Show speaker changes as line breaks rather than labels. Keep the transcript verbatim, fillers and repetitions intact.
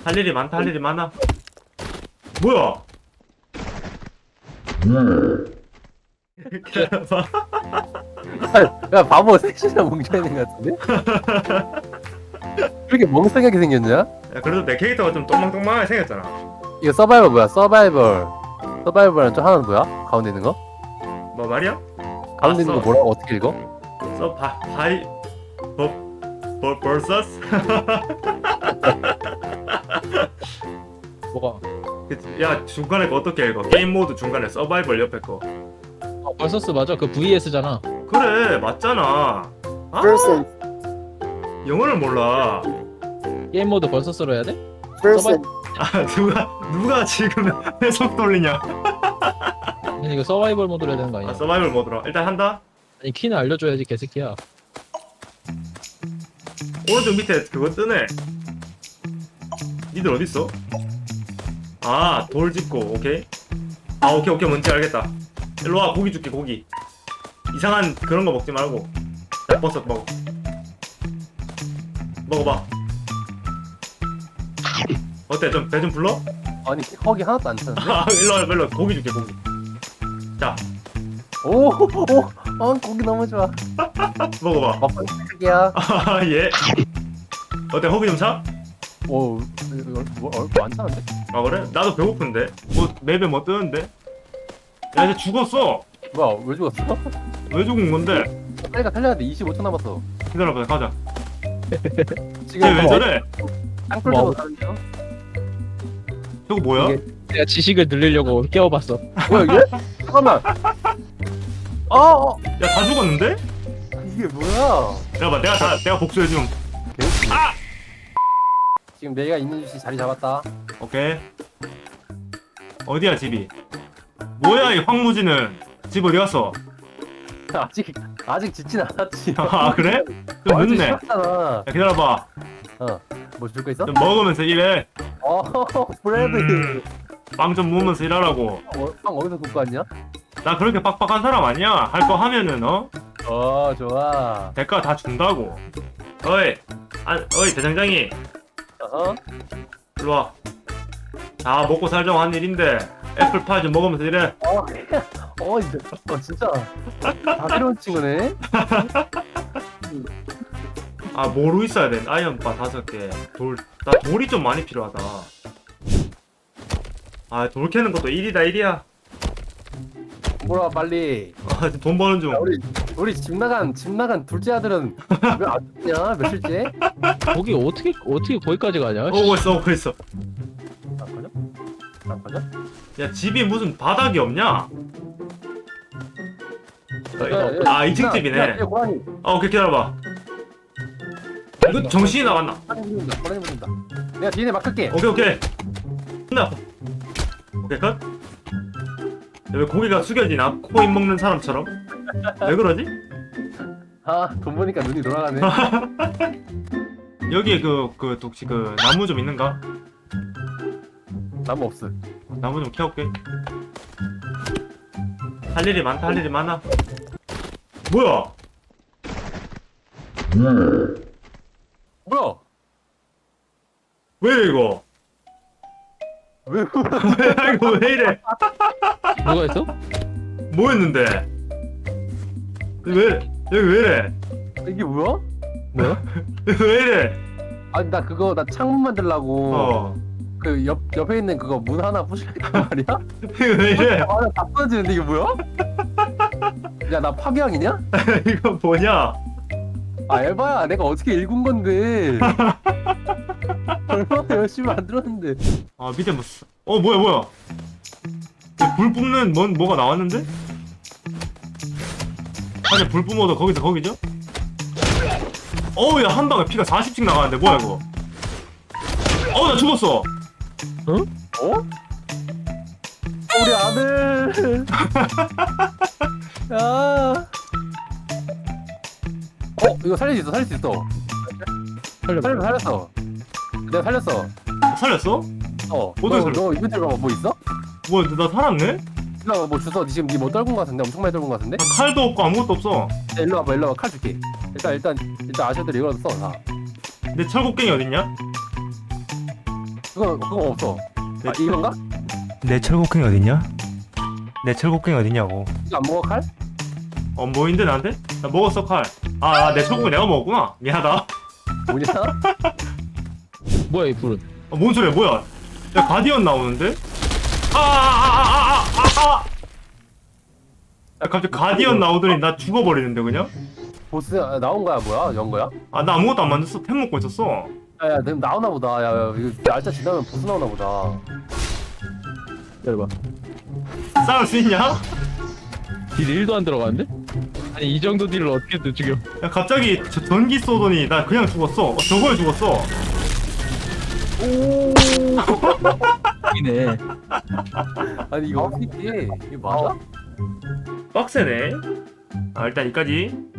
할 일이 많다, 할 일이 많아. 뭐야? 기다려봐.
야 바보 셋이나 뭉쳐있는 것 같은데? 그렇게 멍청하게 생겼냐?
야, 그래도 내 캐릭터가 좀 똥망똥망하게 생겼잖아.
이거 서바이벌 뭐야? 서바이벌 서바이벌은 좀 하나는 뭐야? 가운데 있는 거?
뭐 말이야?
가운데 있는 거
써.
뭐라고 어떻게 읽어?
써 바, 바이 버, 버, 버서스?
뭐가?
그치? 야, 중간에 거 어떻게 읽어? 게임 모드 중간에 서바이벌 옆에 거.
어, 벌서스 맞아. 그 브이에스잖아.
그래, 맞잖아. 아,
person,
영어를 몰라.
게임 모드 벌서스로 해야 돼?
person,
아, 누가 누가 지금 해석 돌리냐?
아니 이거 서바이벌 모드로 해야 되는 거 아니야?
아, 서바이벌 모드로 일단 한다.
아니 키는 알려줘야지 개새끼야.
오른쪽 밑에 그거 뜨네. 니들 어디 있어? 아, 돌 짚고 오케이. 아, 오케이 오케이 뭔지 알겠다. 일로 와, 고기 줄게 고기. 이상한 그런 거 먹지 말고. 자, 버섯 먹어. 먹어봐. 어때? 좀 배 좀 불러?
아니 허기 하나도 안 차는데?
아, 일로 와, 일로 와. 고기 줄게 고기. 자,
오오 어, 고기 너무 좋아.
먹어봐.
먹방 시작이야.
아, 예. 어때? 허기 좀 차?
오 이거 뭐 어, 안 차는데?
아, 그래? 나도 배고픈데. 뭐 맵에 뭐 뜨는데? 야, 이제 죽었어.
뭐야 왜 죽었어?
왜 죽은 건데?
빨리 가 살려야 돼. 이십오 초 남았어.
기다려봐, 가자.
지금
쟤 왜 저래?
땅굴
뭐?
들고 가는 중.
저거 뭐야?
이게-
내가 지식을 늘리려고 깨워봤어.
뭐야 이게? 잠깐만. 어, 어
야, 다 죽었는데?
이게 뭐야?
야, 봐, 내가 다, 내가 복수해줌.
개웃기네.
아!
지금 내가 있는 위치 자리 잡았다.
오케이. 어디야, 집이? 뭐야, 이 황무지는? 집 어디 갔어?
아직 아직 짓진 않았지.
아, 그래? 좀
완전
늦네. 야,
쉬웠잖아.
기다려봐.
뭐 줄 거 있어?
좀 먹으면서 일해.
어 브레드.
음. 빵 좀 먹으면서 일하라고.
어, 빵 어디서 굽고 왔냐?
나 그렇게 빡빡한 사람 아니야. 할 거 하면은, 어?
어 좋아.
대가 다 준다고. 어이, 아, 어이, 대장장이.
어?
일로 와. 다 먹고 살자고 한 일인데, 애플파이 좀 먹으면서 일해.
어, 어, 이제, 어 진짜 다 새로운 친구네.
아, 뭐로 있어야 돼? 아이언바 다섯 개. 돌, 나 돌이 좀 많이 필요하다. 아, 돌 캐는 것도 일이다, 일이야.
뭐라 빨리.
아, 지금 돈 버는 중.
야, 우리 우리 집 나간 집 나간 둘째 아들은 왜 안 죽냐? 며칠째?
거기 어떻게 어떻게 거기까지 가냐?
오고 있어, 오고 있어.
안 가냐? 안 가냐?
야, 집이 무슨 바닥이 없냐?
야, 야,
아, 이 층
야,
집이네.
야, 야, 고라니.
아, 오케이, 기다려봐. 이거 정신이 나갔나?
고라니 부른다. 고라니 부른다. 내가 뒤에 막을게.
오케이, 오케이. 나. 오케이, 컷. 야, 왜 고기가 숙여지나? 코인 먹는 사람처럼? 왜 그러지?
아, 돈 보니까 눈이 돌아가네.
여기에 그, 그, 혹시 그, 나무 좀 있는가?
나무 없어.
나무 좀 캐올게. 할 일이 많다, 할 일이 많아. 뭐야?
뭐야?
왜 이래, 이거?
왜?
야, 이거 왜 이래?
누가 있어?
뭐 했는데? 왜, 여기 왜 이래?
이게 뭐야?
뭐야?
왜 이래?
아니 나 그거 나 창문 만들라고
어.
그 옆 옆에 있는 그거 문 하나 부실랬단 말이야?
이거 왜 이래?
아나다 부러지는데 이게 뭐야? 야 나 파괴왕이냐?
이거 뭐냐?
아 에바야 내가 어떻게 읽은 건데 얼마나 열심히 만들었는데.
아, 밑에 뭐, 쓰- 어, 뭐야, 뭐야? 불 뿜는 뭔, 뭐가 나왔는데? 아니, 불 뿜어도 거기서 거기죠? 어우, 야, 한 방에 피가 사십씩 나가는데, 뭐야, 이거? 어우, 나 죽었어!
어? 우리 아들. 야. 어 이거 살릴 수 있어 살릴 수 있어.
살려봐.
살려 살렸어. 내가 살렸어.
살렸어?
어.
어떻게
너,
살려?
너 이벤트 가뭐 있어?
뭐야, 나 살았네?
일로 와봐 뭐 주워. 니 지금 니 뭐 떨군 거 같은데 엄청 많이 떨군 거 같은데?
나 칼도 없고 아무것도 없어.
야, 일로 와봐 일로 와봐 칼 줄게. 일단 일단 일단 아셔들 이거라도 써. 다.
내 철곡갱이 어딨냐?
그거 그거 없어. 아 이건가?
내 철곡갱이 어딨냐? 내 철곡갱이 어딨냐고.
이거 안 먹어 칼?
어 뭐인데 나한테? 나 먹었어 칼. 아내 초국을 내가 먹었구나. 미안하다.
뭐냐?
뭐야 이 불은?
어, 뭔 소리야 뭐야? 야 가디언 나오는데? 아아아아아아 아, 아, 아, 아. 야 갑자기 가디언 나오더니 나 죽어버리는데 그냥?
보스 아, 나온 거야 뭐야? 연 거야?
아 나 아무것도 안 만졌어. 템 먹고 있었어.
야야 지금 나오나 보다. 야, 야 이거 날짜 지나면 보스 나오나 보다.
열봐.
싸울 수 있냐?
딜 일도 안 들어가는데? 아니 이 정도 딜을 어떻게 또 죽여?
야 갑자기 저 전기 쏘더니 나 그냥 죽었어. 어, 저거에 죽었어.
오.
이네.
아니 이거 어떻게 이게 맞아?
빡세네. 아 일단 여기까지.